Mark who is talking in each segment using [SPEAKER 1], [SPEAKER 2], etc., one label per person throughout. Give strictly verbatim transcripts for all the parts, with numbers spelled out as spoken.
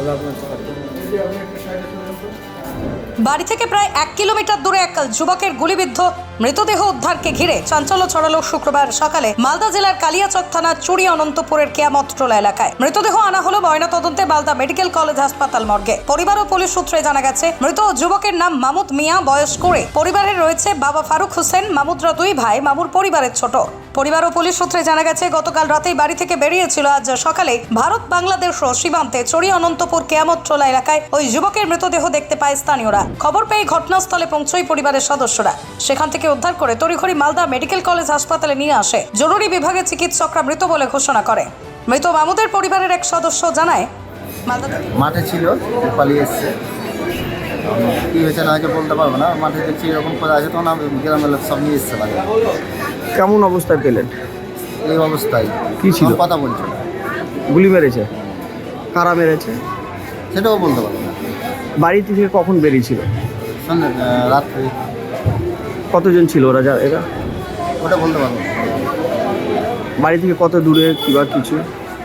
[SPEAKER 1] বাড়ি থেকে প্রায় এক কিলোমিটার দূরে এক যুবকের গুলিবিদ্ধ মৃতদেহ উদ্ধারকে ঘিরে চাঞ্চল্য ছড়ালো শুক্রবার সকালে মালদা জেলার কালিয়াচক থানার চুরি অনন্তপুরের কেয়ামত টোলা এলাকায়। মৃতদেহ আনা হলো ময়নাতদন্তে মালদা মেডিকেল কলেজ হাসপাতাল মর্গে। পরিবার ও পুলিশ সূত্রে জানা গেছে, মৃত যুবকের নাম মামুদ মিয়া, বয়স করে। পরিবারে রয়েছে বাবা ফারুক হোসেন, মামুদরা দুই ভাই, মামুর পরিবারের ছোট। পরিবার ও পুলিশ সূত্রে জানা গেছে, গতকাল রাতেই বাড়ি থেকে বেরিয়েছিল আজ সকালে ভারত বাংলাদেশ সীমান্তে চুরি অনন্তপুর কেয়ামত টোলা এলাকায় ওই যুবকের মৃতদেহ দেখতে পায় স্থানীয়রা। খবর পেয়ে ঘটনাস্থলে পৌঁছয় পরিবারের সদস্যরা। সেখান থেকে উদ্ধার করে তড়িঘড়ি মালদা মেডিকেল কলেজ হাসপাতালে নিয়ে আসে। জরুরি বিভাগে চিকিৎসকরা মৃত বলে ঘোষণা করে। মৃত মামুদের পরিবারের এক সদস্য জানায়, মালদা
[SPEAKER 2] মাঠে ছিল, পালিয়ে এসছে। কী হয়েছে না হয়েছে বলতে পারবো না। মাঠে দেখছি এরকম করে আছে, তখন গ্রামের লোক সব নিয়ে এসছে বাড়ি।
[SPEAKER 3] কেমন অবস্থায় পেলেন?
[SPEAKER 2] এই অবস্থায়
[SPEAKER 3] কি ছিল?
[SPEAKER 2] কথা বলছিল।
[SPEAKER 3] গুলি মেরেছে? কারা মেরেছে
[SPEAKER 2] সেটাও বলতে পারবো না।
[SPEAKER 3] বাড়ি থেকে কখন বেরিয়েছিল?
[SPEAKER 2] সন্ধ্যে রাত্রে।
[SPEAKER 3] কতজন ছিল ওরা? যা এরা
[SPEAKER 2] ওটা বলতে পারবো না।
[SPEAKER 3] বাড়ি থেকে কত দূরে কিংবা কিছু?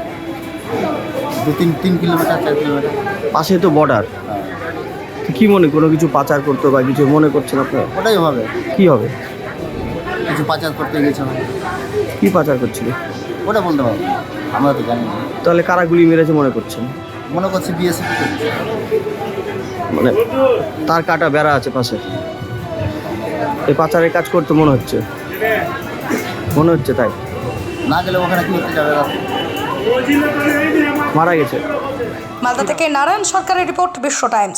[SPEAKER 2] দু তিন তিন কিলোমিটার চার কিলোমিটার
[SPEAKER 3] পাশে তো বর্ডার। কি মনে কোনো কিছু পাচার করতো বা কিছু মনে করছেন আপনারা?
[SPEAKER 2] ওটাই হবে,
[SPEAKER 3] কি হবে?
[SPEAKER 2] কিছু পাচার করতে গেছে।
[SPEAKER 3] কি পাচার করছিল
[SPEAKER 2] ওটা বলতে পারবো না, আমরা তো জানি না।
[SPEAKER 3] তাহলে কারা গুলি মেরেছে মনে করছেন?
[SPEAKER 2] মনে করছি বিএসএফ।
[SPEAKER 3] মানে তার কাটা বেড়া আছে পাশে, এই পাচারের কাজ করতে মনে হচ্ছে মনে হচ্ছে তাই
[SPEAKER 2] না গেলে ওখানে কি করতে যাবে?
[SPEAKER 3] মারা গেছে।
[SPEAKER 1] মালদা থেকে নারায়ণ সরকারের রিপোর্ট, বিশ্ব টাইমস।